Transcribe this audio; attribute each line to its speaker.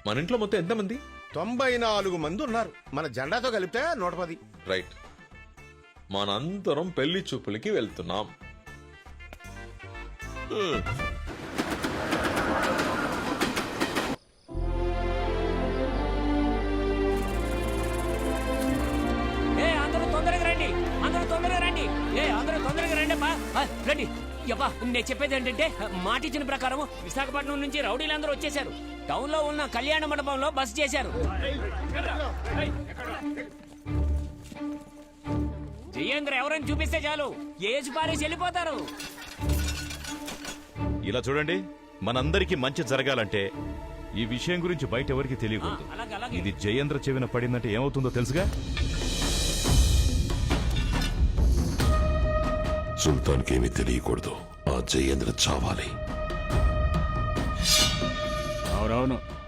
Speaker 1: మన ఇంట్లో మొత్తం ఎంతమంది?
Speaker 2: 94 మంది ఉన్నారు. మన జెండాతో కలిపితే 110.
Speaker 1: రైట్. మనందరం పెళ్లి చూపులకి వెళ్తున్నాం.
Speaker 3: అందరూ తొందరగా రండి, అందరూ తొందరగా రండి, అందరూ తొందరగా రండి అమ్మా, రండి. యబ్బా, నేను చెప్పేది ఏంటంటే మాట ఇచ్చిన ప్రకారం విశాఖపట్నం నుంచి రౌడీలందరూ వచ్చేసారు. టౌన్ లో ఉన్న కళ్యాణ మండపంలో బస చేశారు. జయేంద్ర ఎవరైనా చూపిస్తే చాలు, ఏజ్ పారేసి వెళ్ళిపోతారు.
Speaker 4: ఇలా చూడండి, మనందరికీ మంచి జరగాలంటే ఈ విషయం గురించి బయట ఎవరికి తెలియకూడదు. ఇది జయేంద్ర చెవిన పడిందంటే ఏమవుతుందో తెలుసుగా?
Speaker 5: సుల్తాన్కి ఏమీ తెలియకూడదు. ఆ జయేంద్ర చావాలి.
Speaker 6: అవునవును,